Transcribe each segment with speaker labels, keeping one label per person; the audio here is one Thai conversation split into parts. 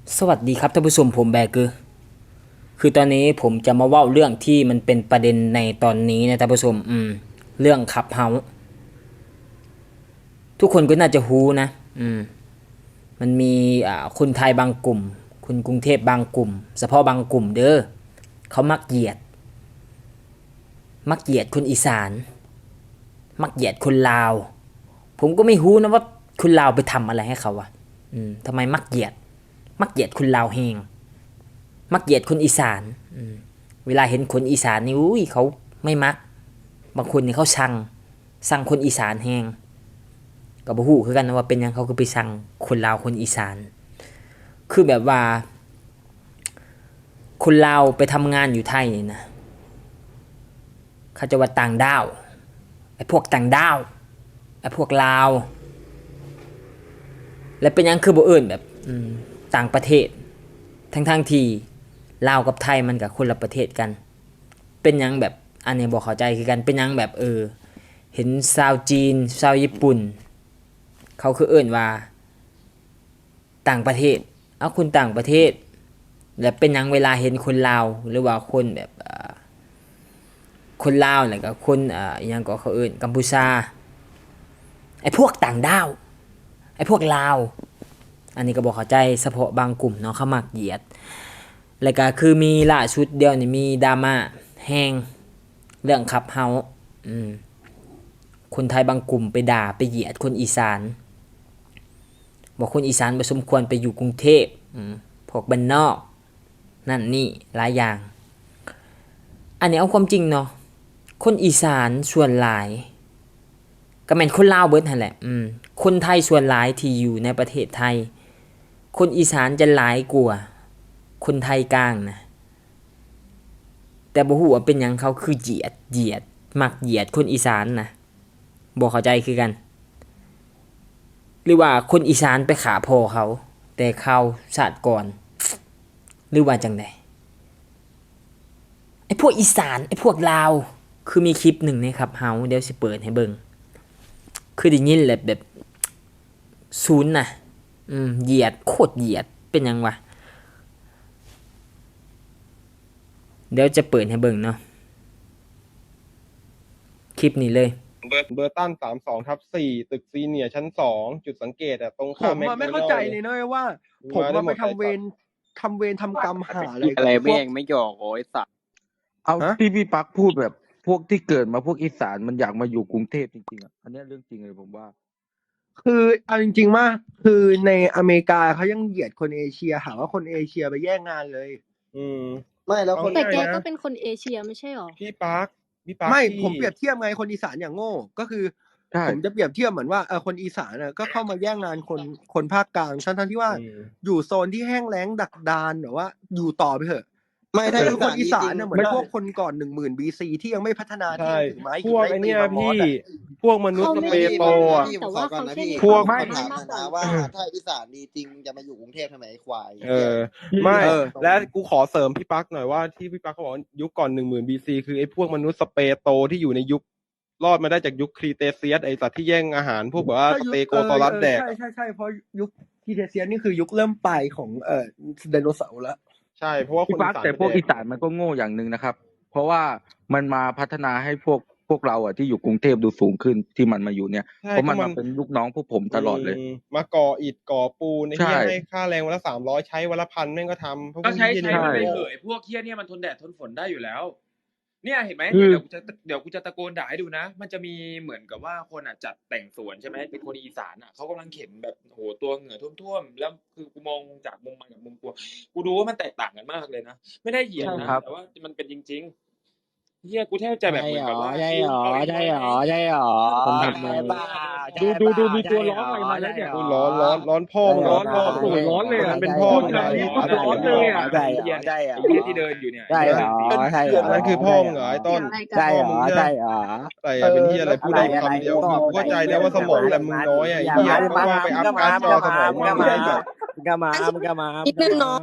Speaker 1: สวัสดีครับท่านผู้ชมผมแบร์เกอร์คือตอนนี้ผมจะมาเว่าเรื่องที่มันเป็นประเด็นในตอนนี้นะท่านผู้ชมเรื่องขับเฮาทุกคนก็น่าจะฮู้นะมันมีคนไทยบางกลุ่มคนกรุงเทพบางกลุ่มเฉพาะบางกลุ่มเด้อเขามักเหยียดคนอีสานมักเหยียดคนลาวผมก็ไม่ฮู้นะว่าคนลาวไปทำอะไรให้เขาอะทำไมมักเหยียดคนลาวแฮง มักเหยียดคนอีสานเวลาเห็นคนอีสานนี่อุ้ยเขาไม่มักบางคนนี่เขาสั่งคนอีสานแฮงก็บ่ฮู้คือกันนะว่าเป็นหยังเขาคือไปสั่งคนลาวคนอีสานคือแบบว่าคนลาวไปทำงานอยู่ไทยนี่นะเขาจะว่าต่างด้าวไอ้พวกต่างด้าวไอ้พวกลาวแล้วเป็นหยังคือบ่เอิ้นแบบต่างประเทศทั้งที่ลาวกับไทยมันก็คนละประเทศกันเป็นหยังแบบอันนี้บ่เข้าใจคือกันเป็นหยังแบบเห็นชาวจีนชาวญี่ปุ่นเขาคือเอิ้นว่าต่างประเทศเอาคนต่างประเทศแล้วเป็นหยังเวลาเห็นคนลาวหรือว่าคนแบบคนลาวแล้วก็คนอิหยังก็เขาเอิ้นกัมพูชาไอ้พวกต่างดาวไอ้พวกลาวอันนี้ก็บ่เข้าใจเฉพาะบางกลุ่มเนาะเขามักเหยียดแล้วก็คือมีล่าสุดเดียวนี่มีดราม่าแฮงเรื่องขับเฮาคนไทยบางกลุ่มไปด่าไปเหยียดคนอีสานบอกคนอีสานบ่สมควรไปอยู่กรุงเทพพวกบ้านนอกนั่นนี่หลายอย่างอันนี้เอาความจริงเนาะคนอีสานส่วนหลายก็แม่นคนลาวเบิดนั่นแหละคนไทยส่วนหลายที่อยู่ในประเทศไทยคนอีสานจะหลายกว่าคนไทยกลางนะแต่บ่ฮู้ว่าเป็นหยังเขาคือเหยียดมักเหยียดคนอีสานนะบ่เข้าใจคือกันหรือว่าคนอีสานไปขาพ่อเขาแต่เขาชาติก่อนหรือว่าจังไดไอ้พวกอีสานไอ้พวกลาวคือมีคลิปหนึ่งนะครับเฮาเดี๋ยวสิเปิดให้เบิ่งคือได้ยินแบบศูนย์น่ะเหยียดโคตรเหยียดเป็นหยังวะเดี๋ยวจะเปิดให้เบิ่งเนาะคลิปนี้เลย
Speaker 2: เบอร์ตัน32/4ตึกซีเนียร์ชั้น2จุดสังเกตตรง
Speaker 3: ผ
Speaker 2: ข้าม
Speaker 3: ม
Speaker 2: แมคโด
Speaker 3: ไม่
Speaker 2: นั
Speaker 3: เข้า
Speaker 2: ล
Speaker 3: ใจ
Speaker 2: ด์เล
Speaker 3: เลย ยนะว่า ผม
Speaker 2: มาได้หม
Speaker 3: ไป
Speaker 2: ด
Speaker 3: ทำเวรทำกรรมหาอะไร
Speaker 4: อะไร
Speaker 3: กับพว
Speaker 4: แม่
Speaker 3: ก
Speaker 4: งไม่หยอกโอ้ยสัตว์
Speaker 5: เอา
Speaker 3: ฮะ
Speaker 5: ที่พี่ปักพูดแบบพวกที่เกิดมาพวกอีสานมันอยากมาอยู่กรุงเทพจริงๆอ่ะอันเนี้ยเรื่องจริงเลยผมว่า
Speaker 3: คือเอาจริงๆว่าคือในอเมริกาเขายังเหยียดคนเอเชียหาว่าคนเอเชียไปแย่งงานเลย
Speaker 2: อืม
Speaker 6: ไม่แล้วคน
Speaker 7: แต่แก
Speaker 2: ง่ายๆนะ
Speaker 7: ก็เป็นคนเอเชียไม่ใช่หรอ
Speaker 2: พี่ปาร์คพี่ปาร์ค
Speaker 3: ไม่
Speaker 2: ที่
Speaker 3: ผมเปรียบเทียบไงคนอีสานอย่างโง่ก็คือ
Speaker 5: ใช่
Speaker 3: ผมจะเปรียบเทียบเหมือนว่าคนอีสานน่ะก็เข้ามาแย่งงานคนภาคกลางทั้งที่ว่า อยู่โซนที่แห้งแล้งดักดานแบบว่าอยู่ต่อไปเถอะ
Speaker 6: ไม่ถ้า
Speaker 3: คือคนอีสาน
Speaker 6: จริ
Speaker 3: น่ะ
Speaker 6: ง
Speaker 3: เหมือนพวกคนก่อน10,000 BC ที่ยังไม่พัฒนาที่
Speaker 2: ใช่
Speaker 3: ยังถือไม้
Speaker 2: พวกไอเนี้ยพี่พวกมนุษย์
Speaker 7: เขา
Speaker 2: ส
Speaker 7: ไม่
Speaker 2: เป
Speaker 7: ได้
Speaker 2: โตอ่ะ
Speaker 6: พี่
Speaker 7: แต่
Speaker 6: ผมข
Speaker 7: ว่า
Speaker 6: อก่อน
Speaker 7: เขา
Speaker 6: นะ
Speaker 7: แค่
Speaker 6: พี่
Speaker 7: เรียก
Speaker 2: พวก
Speaker 7: ความ
Speaker 6: ถาม
Speaker 7: มากกว่า
Speaker 6: นะว่าถ้าอีสานดีจริงมึงจะมาอยู่กรุงเทพทำไมไอ้ควาย
Speaker 2: ไม่
Speaker 3: เออ
Speaker 2: และกูขอเสริมพี่ปาร์คหน่อยว่าที่พี่ปาร์คเขาบอกว่ายุคก่อน10,000 BC คือไอ้พวกมนุษย์สเปโตที่อยู่ในยุครอดมาได้จากยุคครีเตเซียสไอ้สัตว์ที่แย่งอาหารพวกแบบว่าสเตโกซอรัสแดก
Speaker 3: ใช่เพราะยุคทีเทเซียนนี่คือยุคเริ่มปลายของไดโนเสาร์แล้ว
Speaker 2: ใช่เพราะว่าค
Speaker 5: พี่
Speaker 2: น
Speaker 5: ปั
Speaker 2: อี
Speaker 5: ก
Speaker 2: สาน
Speaker 5: แต่พวกอีสานมันก็โง่อย่างหนึ่งนะครับ เพราะว่ามันมาพัฒนาให้พวกเราอ่ะที่อยู่กรุงเทพดูสูงขึ้นที่มันมาอยู่เนี่ย
Speaker 2: ใช่
Speaker 5: เพราะมัน
Speaker 2: ก็
Speaker 5: มาเป็นลูกน้องพวกผมตลอดเลย
Speaker 2: มาก่ออิฐก่อปูนไอ้
Speaker 5: ใช่
Speaker 2: เหี้ยให้ค่าแรงวันละ300ใช้วันละ1,000แม่งก็ทำพว
Speaker 8: ก็ใช้
Speaker 2: เหี้ย
Speaker 8: ใช้
Speaker 2: นี่
Speaker 8: มันไป
Speaker 2: โง่
Speaker 8: เถอะไอ้พวกเฮี้ยเนี่ยมันทนแดดทนฝนได้อยู่แล้ว เนี่ยเห็นไหม
Speaker 5: คือ
Speaker 8: เดี๋ยวกูจะตะโกนด่าให้ดูนะ มันจะมีเหมือนกับว่าคนอ่ะจัดแต่งสวนใช่ไหมเป็นคนอีสานอ่ะเขากำลังเข็นแบบโหตัวเหงื่อท่วมๆแล้วคือกูมองจากมุมมันกับมุมกูดูว่ามันแตกต่างกันมากเลยนะไม่ได้เหยียดนะแต่ว่ามันเป็นจริงๆเฮียกูแทบจะแบบเหมือนกับว่า
Speaker 4: ใช่หรอ
Speaker 5: ผมทำมา ดูมีตัวร้องอะไรมาแล้วเนี่ย
Speaker 2: กูร้อนพ่อมึงร้อน
Speaker 5: โอ้โหร้อนเลยอะ
Speaker 2: มันเป็นพ่อมึง
Speaker 5: ใช่
Speaker 2: นะ
Speaker 5: ร้อนเลยอะ
Speaker 8: ไอ้เหี้ยเนี่ยไอ้เหี้ยที่เดินอยู่เนี่ย
Speaker 4: ใช่เหรอใช่เหรอ
Speaker 2: นั่นคือพ่อมึงเหรอไอ้ต้น
Speaker 4: ใช่เหรอใช่เหรอ
Speaker 2: อะไรเป็นเหี้ยอะไรพูดได้คำเดียวคือกูเข้าใจได้ว่าสมองแต่มึงน้อยไอ้เหี้ยเพราะว่าไปอัพการ์ดจอสมองมึงไม่ได้แบบ
Speaker 4: มึงก็มา
Speaker 7: นิดนึงเนาะ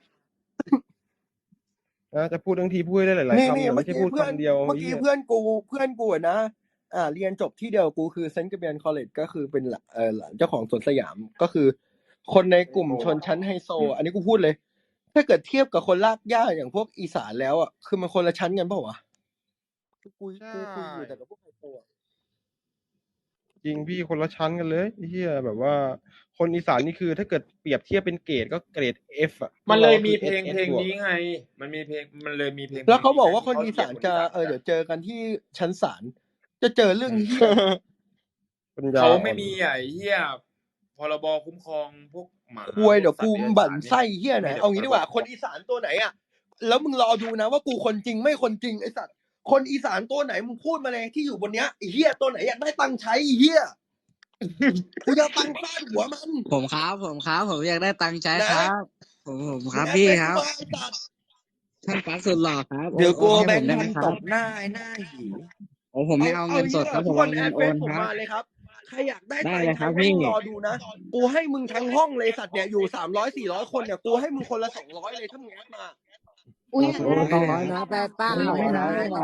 Speaker 2: จะพูดทั้งทีพูดได้หลายๆคำอย่าไม่ใช่พูดคำเดียว
Speaker 3: เมื่อกี้เพื่อนกูอะนะเรียนจบที่เดียวกูคือเซนต์แกเบียนคอลเลจก็คือเป็นหลานเจ้าของสวนสยามก็คือคนในกลุ่มชนชั้นไฮโซอันนี้กูพูดเลย ถ้าเกิดเทียบกับคนลากย่าอย่างพวกอีสานแล้วอ่ะคือมันคนละชั้นกันเปล่าวะคือกูคุยอยู่แต่กับพวกไฮโซอะ
Speaker 2: จริงพี่คนละชั้นกันเลยไอ้เฮียแบบว่า คนอีสานนี่คือถ้าเกิดเปรียบเทียบเป็นเกรดก็เกรด F อ่ะ
Speaker 8: มันเลยมี
Speaker 2: พวก
Speaker 8: เพลง
Speaker 2: ราคือ
Speaker 8: เพลง
Speaker 2: SS
Speaker 8: นี้ไง มันมีเพลงมันเลยมีเพลง
Speaker 3: แล้วเขาบอกว่า
Speaker 8: พ
Speaker 3: ค
Speaker 8: ล
Speaker 3: น
Speaker 8: ง
Speaker 3: อีสาน
Speaker 8: ที่
Speaker 3: จะ
Speaker 8: เขา
Speaker 3: เดี๋ยวเจอกันที่ชั้นศาลจะเจอเรื่องเหี้ย
Speaker 2: ปัญญา
Speaker 8: เขา
Speaker 2: อ่อน
Speaker 8: ไม่มีไอ้เหี้ยพรบคุ้มครองพวกหมา
Speaker 3: ควยเดี๋ยว
Speaker 8: พว
Speaker 3: กู
Speaker 8: สัตว์
Speaker 3: บั่น
Speaker 8: เดรัจฉาน
Speaker 3: ไส้เหี้ยไหน
Speaker 8: มีแต่
Speaker 3: เอางี้ดีกว่า
Speaker 8: พรบ
Speaker 3: คนอีสานตัวไหนอ่ะแล้วมึงรอดูนะว่ากูคนจริงไม่คนจริงไอ้สัตว์คนอีสานตัวไหนมึงพูดมาเลยที่อยู่บนเนี้ยไอ้เหี้ยตัวไหนอยากได้ตังค์ใช้ไอ้เหี้ยกูจะเอาตังค์ฟาดหัวมัน
Speaker 9: ผมอยากได้ตังค์ใช้
Speaker 3: ไหน
Speaker 9: ครับ ผมครับ
Speaker 3: แอด
Speaker 9: พี่
Speaker 3: เฟซ
Speaker 9: ครับ
Speaker 3: กูมาไอ้สัตว์
Speaker 9: ท่านปักสุดหล่อครับ
Speaker 6: เดี๋ยวกู
Speaker 9: โอน
Speaker 6: แบ
Speaker 9: ให้
Speaker 6: ง
Speaker 9: ผม
Speaker 6: ค์
Speaker 9: ได้
Speaker 6: พั
Speaker 9: ไหม
Speaker 6: น
Speaker 9: ค
Speaker 6: ต
Speaker 9: รับ
Speaker 6: บหน้าไอ้หน้าหี
Speaker 9: ผมไม่เอาเงินสดครับ ผม
Speaker 3: ทุกค
Speaker 9: เอา
Speaker 3: น
Speaker 9: เงิ
Speaker 3: แอน ด
Speaker 9: โอ
Speaker 3: เฟซ
Speaker 9: น
Speaker 3: ผม
Speaker 9: ครับ
Speaker 3: มาเลยครับใครอยากได้
Speaker 9: ได้
Speaker 3: ตัง
Speaker 9: เลย
Speaker 3: ค์
Speaker 9: ครั
Speaker 3: ใช้
Speaker 9: บ
Speaker 3: มึ
Speaker 9: พี่
Speaker 3: งรอดูนะกูให้มึงทั้งห้องเลยสัตว์เนี่ยอยู่300-400 คนเนี่ยกูให้มึงคนละ200เลยถ้ามึงแอดมา
Speaker 7: อุ้ย
Speaker 9: โอ้โห200นะแปดป้า200นะ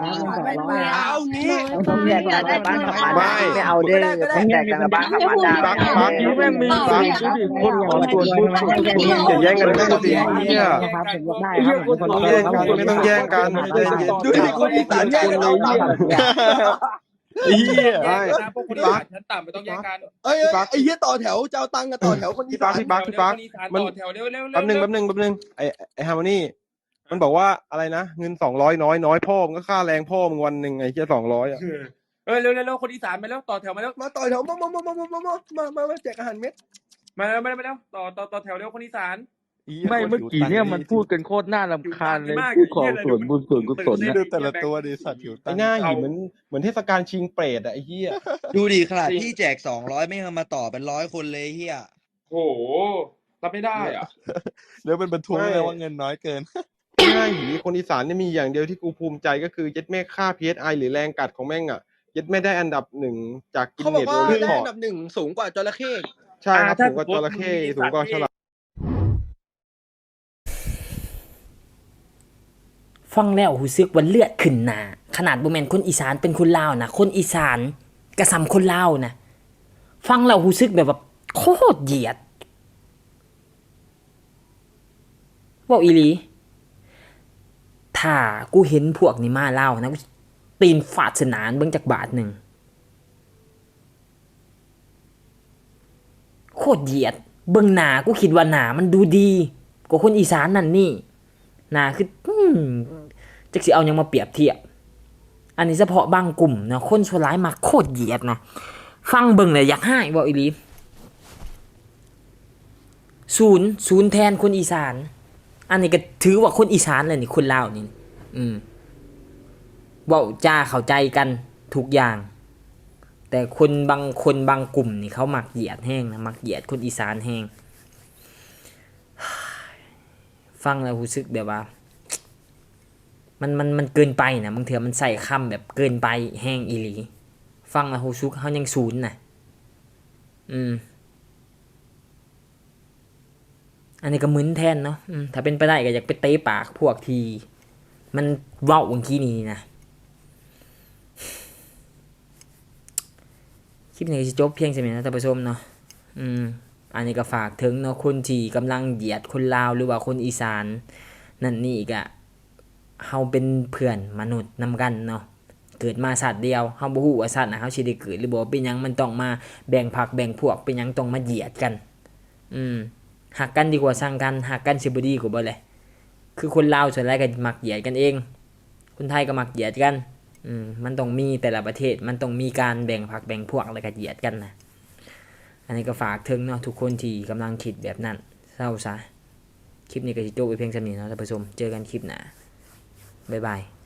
Speaker 9: 200
Speaker 3: เอางี้
Speaker 4: ต้องแยกกันในบ้านกับบ้าน
Speaker 2: ไม่
Speaker 4: ไม่เอาเด้อต้องแยกกันในบ้านกับบ้าน
Speaker 2: พี่ปักพี่ปัก
Speaker 5: นี่แม่งมี
Speaker 7: เปล่า
Speaker 5: ดูดิคนหัวส่วนบุญสุด
Speaker 2: อย่าแย่งกันพูดสิไอ้เหี้ย
Speaker 9: ครับผมอยากได้ครับผม
Speaker 2: ไม่ต้องแย่งกัน
Speaker 3: ดูดิคนอีสานแย่งกันเอาตังค์
Speaker 2: ไอ้เหี้ย
Speaker 8: แย
Speaker 2: ไอ้
Speaker 8: กกันนะพวกคนอีสานชั้นต่ำไม่ต้องแยกกัน
Speaker 3: เอ้ยไอ้เหี้ยต่อแถวจะเอาตังค์กับต่อแถวคนอี
Speaker 2: พี่
Speaker 3: สา
Speaker 2: ปัก
Speaker 3: น
Speaker 2: พี่ปักพี่ปัก
Speaker 8: คนอีสาน
Speaker 2: มัน
Speaker 8: ต่อแถวเร็วเร็ว
Speaker 2: แป๊บนึงไอ้ฮาร์โมนีมันบอกว่าอะไรนะเงิน200น้อยพ่อมึงก็ค่าแรงพ่อมึงวันหนึ่งไอ้เหี้ย200อ่ะ
Speaker 8: เร็วเร็วเร็วคนอีสานมาแล้วต่อแถวมาแล้ว
Speaker 3: มาต่อแถวมาแจกอาหารเม็ด
Speaker 8: มาแล้วต่อแถวเร็วคนอีสาน
Speaker 5: ไม่เมื่อกี้เนี่ยมันพูดกันโคตรน่ารำคาญเลย
Speaker 8: มาก
Speaker 5: พูดของส่วนบุญส่วนกุศลนะ
Speaker 8: ดูแต่ละตัวดิสัตว์
Speaker 2: ไอ้หน้าหิเหมือนเทศกาลชิงเปรตอ่ะไอ้เหี้ย
Speaker 6: ดูดิขนาดที่แจก200ไม่เอามาต่อเป็น100 คนเลยเฮีย
Speaker 8: โอ้โหรับไม่ได้อ่ะ
Speaker 10: แล้วเป็นบรรทุกเลยว่าเงินน้อยเกิน
Speaker 2: หน้าหิคนอีสานเนี่ยมีอย่างเดียวที่กูภูมิใจก็คือเย็ดแม่ค่า PSI หรือแรงกัดของแม่งอ่ะเย็ดแม่ได้อันดับ1จากกิน
Speaker 3: เขาบ
Speaker 2: เน็
Speaker 3: อก
Speaker 2: ต
Speaker 3: ว่า
Speaker 2: โรล
Speaker 3: ได้
Speaker 2: คอ
Speaker 3: อันดับ1สูงกว่าจระเข้
Speaker 2: ใช่ครับ
Speaker 8: ถ้า
Speaker 2: สูงกว่าจระเข้
Speaker 8: สมมุติ
Speaker 2: สูงกว่าฉลาม
Speaker 1: ฟังแล้วรู้สึกว่าเลือดขึ้นหน้าขนาดบ่แม่นคนอีสานเป็นคนลาวนะคนอีสานก็ซ้ำคนลาวนะฟังแล้วรู้สึกแบบว่าโคตรเหยียดเว้าอีหลีถ้ากูเห็นพวกนี้มาลาวนะกูตีนฟาดสนานเบิ่งจักบาทหนึงโคตรเหยียดเบิ่งหน้ากูคิดว่าหน้ามันดูดีกว่าคนอีสานนั่นนี่หน้าคือจักสิเอาหยังมาเปรียบเทียบอันนี้เฉพาะบางกลุ่มนะคนชั่วร้ายมักโคตรเหยียดนะฟังเบิ่งเลยอยากให้บ่อีหลีศูนย์แทนคนอีสานอันนี้ก็ถือว่าคนอีสานเลยนี่คนลาวนี่เว้าจ้าเข้าใจกันทุกอย่างแต่คนบางกลุ่มนี่เขามักเหยียดแห้งนะมักเหยียดคนอีสานแห้งฟังแล้วรู้สึกแบบว่ามันเกินไปนะบางเทื่อมันใส่คำแบบเกินไปแห้งอีหลีฟังแล้วรู้สึกเฮายังศูนย์น่ะอันนี้ก็มึนแทนเนาะถ้าเป็นไปได้ก็อยากไปเตะปากพวกทีมันเว้าบางทีนี่นะคลิปนี้ก็สิจบเพียงเท่านี้นะท่านผู้ชมเนาะอันนี้ก็ฝากถึงเนาะคนที่กำลังเหยียดคนลาวหรือว่าคนอีสานนั่นนี่อีกอะเฮาเป็นเพื่อนมนุษย์นำกันเนาะเกิดมาสัตว์เดียวเฮาบ่ฮู้ว่าสัตว์น่ะเฮาสิได้เกิดหรือบ่เป็นหยังมันต้องมาแบ่งพรรคแบ่งพวกเป็นหยังต้องมาเหยียดกันหักกันดีกว่าสร้างกันหักกันสิบ่ดีกว่าบ่เลยคือคนลาวส่วนใหญ่ก็มักเหยียดกันเองคนไทยก็มักเหยียดกันมันต้องมีแต่ละประเทศมันต้องมีการแบ่งพรรคแบ่งพวกแล้วก็เหยียดกันนะอันนี้ก็ฝากถึงเนาะทุกคนที่กำลังคิดแบบนั้นเศร้าซะคลิปนี้ก็สิจบไปเพียงเท่านี้เนาะท่านผู้ชมเจอกันคลิปหน้าบ๊ายบาย